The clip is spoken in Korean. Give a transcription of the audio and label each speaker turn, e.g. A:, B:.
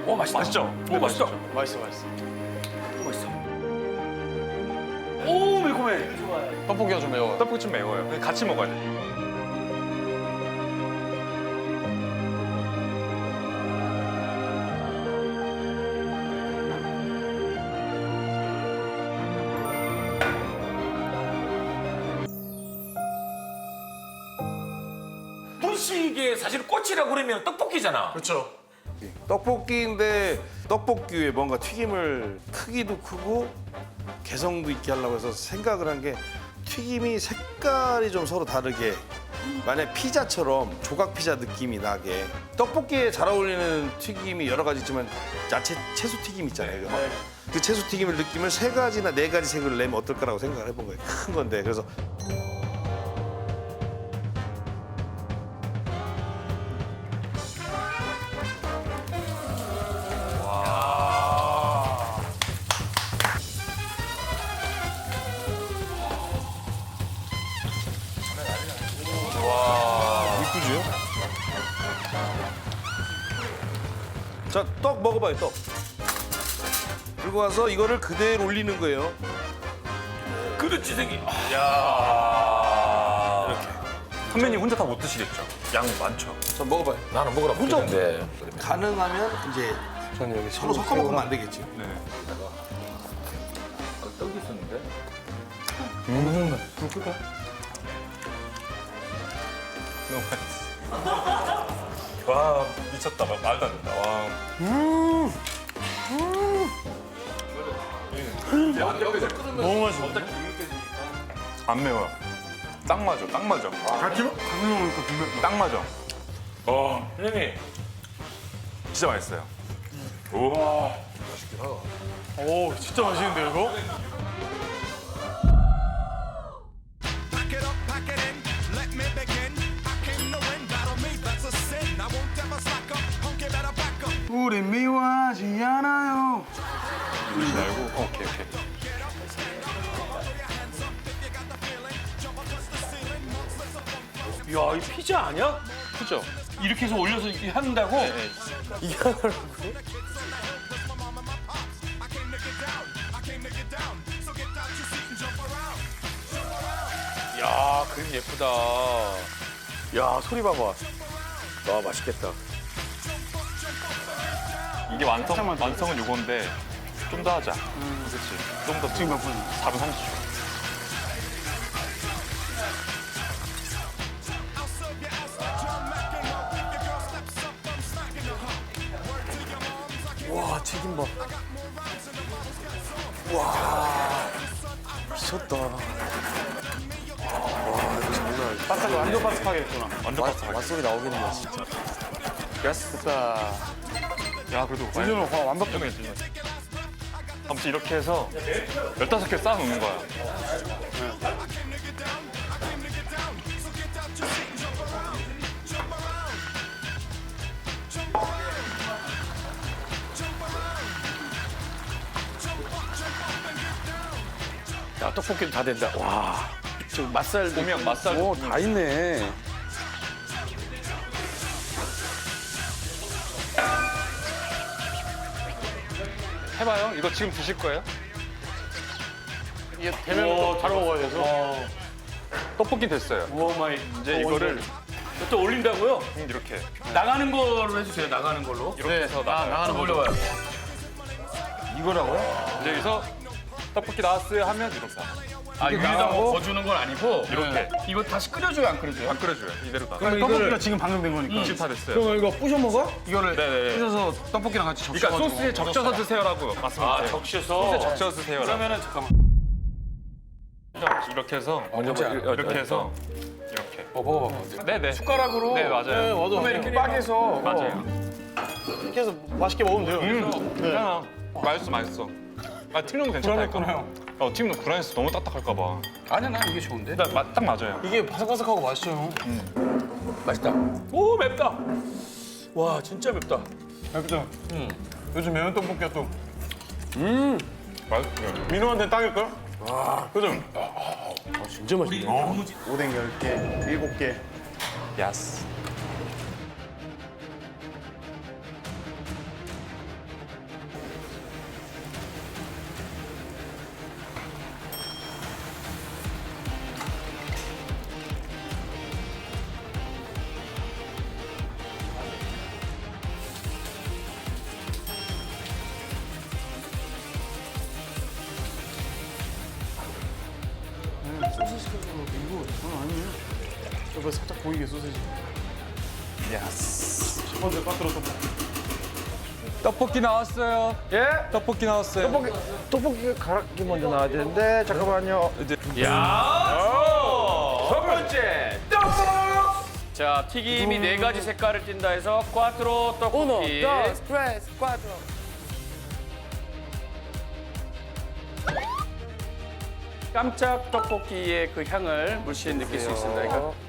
A: 오 맛있다.
B: 맛있죠?
A: 오 맛있다.
C: 맛있어, 맛있어.
A: 오 맛있어. 오 매콤해.
C: 떡볶이가 좀 매워요.
B: 떡볶이 좀 매워요. 같이 먹어야 돼.
A: 분식의 사실 꽃이라고 그러면 떡볶이잖아.
C: 그렇죠.
D: 떡볶이인데 떡볶이 위에 뭔가 튀김을 크기도 크고 개성도 있게 하려고 해서 생각을 한 게 튀김이 색깔이 좀 서로 다르게 만약 피자처럼 조각 피자 느낌이 나게 떡볶이에 잘 어울리는 튀김이 여러 가지 있지만 야채 채소 튀김 있잖아요. 그 채소 튀김을 느낌을 세 가지나 네 가지 색을 내면 어떨까라고 생각을 해본 거예요. 큰 건데 그래서 이쁘죠? 자, 떡 먹어봐요, 떡. 그리고 와서 이거를 그대로 올리는 거예요.
A: 그렇지 생기.
B: 선배님 혼자 다 못 드시겠죠? 양 많죠?
D: 자, 먹어봐요.
A: 나는 먹으라
D: 혼자
A: 혼자인데.
D: 가능하면 이제
C: 저는 여기
D: 서로 섞어 먹으면 안 되겠지.
B: 네.
A: 떡이 있었는데.
B: 너무 맛있어. 와 미쳤다. 말도 안 된다. 와.
C: 너무 맛있어.
B: 안 매워요. 딱 맞아. 딱 맞아.
C: 같이 먹으니까 분명.
B: 딱 맞아.
A: 선생님.
B: 진짜 맛있어요.
C: 오, 진짜 맛있는데요, 이거?
E: Pack it up, pack it in, let me begin. I came to win, battle me, that's a sin. I won't ever slack up, honky better back up.
C: 우리 미워하지 않아요.
B: 알고. 오케이.
A: 야, 이 피자 아니야?
B: 그죠?
A: 이렇게 해서 올려서 이렇게 한다고?
C: 이게 하나라고?
A: 야, 그림 예쁘다. 야, 소리 봐봐. 와, 맛있겠다.
B: 이게 완성은 요건데 좀 더 하자. 그렇지. 좀 더.
C: 지금 몇 분?
B: 4분 30초.
C: 와, 튀김밥. 와, 미쳤다. 바삭, 완전 바삭하게 했구나.
B: 완전 바삭하게.
C: 맛소리 나오겠네, 진짜. 됐다.
B: 야 그래도
C: 완전 완벽해.
B: 아무튼 이렇게 해서 15개 쌓아놓는 거야.
A: 야, 떡볶이도 다 된다. 와. 저 맛살.
B: 보면 맛살.
C: 오, 다 있네.
B: 해봐요. 이거 지금 드실 거예요?
C: 이게 되면 잘 먹어야 돼서.
B: 떡볶이 됐어요.
A: 오 마이.
B: 이제 이거를
A: 또 올린다고요?
B: 이렇게
A: 나가는 걸로 해주세요. 나가는 걸로.
B: 이렇게 해서 나가요.
A: 나가는 걸로 올려봐요. 이거라고요?
B: 이제 여기서 떡볶이 나왔어요 하면 이렇게
A: 아, 위에다 뭐 거주는 건 아니고
B: 이렇게
A: 이거 다시 끓여줘요, 안 끓여줘요?
B: 안 끓여줘요. 이대로 나.
C: 그럼 떡볶이가 지금 방금 된 거니까.
B: 지금 다 됐어요.
C: 그럼 이거 부셔 먹어? 이거를
B: 네네네.
C: 부셔서 떡볶이랑 같이 적셔
B: 그러니까 소스에 적셔서 드세요라고 말씀드려요.
A: 아, 적셔서.
B: 소스에 적셔서 드세요.
A: 그러면은 잠깐만.
B: 이렇게 해서
A: 먼저
B: 이렇게 해서 이렇게.
A: 먹어봐.
B: 네네.
C: 숟가락으로.
B: 네 맞아요.
C: 와도 이렇게 빡에서.
B: 맞아요.
C: 이렇게 해서 맛있게 먹으면 돼요.
B: 괜찮아. 맛있어. 아 튀김도 괜찮다니까.
C: 불안했구나요.
B: 튀김도 불안해서 너무 딱딱할까 봐.
A: 아니야, 난 이게 좋은데.
B: 딱 맞아요.
C: 이게 바삭바삭하고 맛있어요.
A: 맛있다. 오, 맵다. 와, 진짜 맵다.
C: 맛있죠? 요즘 매운 떡볶이가 또
B: 맛있어요.
C: 민호한테 딱일걸? 와, 그죠?
D: 진짜 맛있네.
C: 오뎅 10개, 7개.
B: 야스.
C: 여기 살짝 보이게 소세지. 첫 번째 빠뜨려 떡볶이.
F: 떡볶이 나왔어요.
G: 예?
F: 떡볶이 나왔어요.
G: 떡볶이 가락이 먼저 나와야 되는데 잠깐만요.
A: 첫 번째 떡볶. 자, 튀김이 네 가지 색깔을 띈다 해서 꽈트로 떡볶이. 깜짝 떡볶이의 그 향을 물씬 느낄 수 있습니다. 그러니까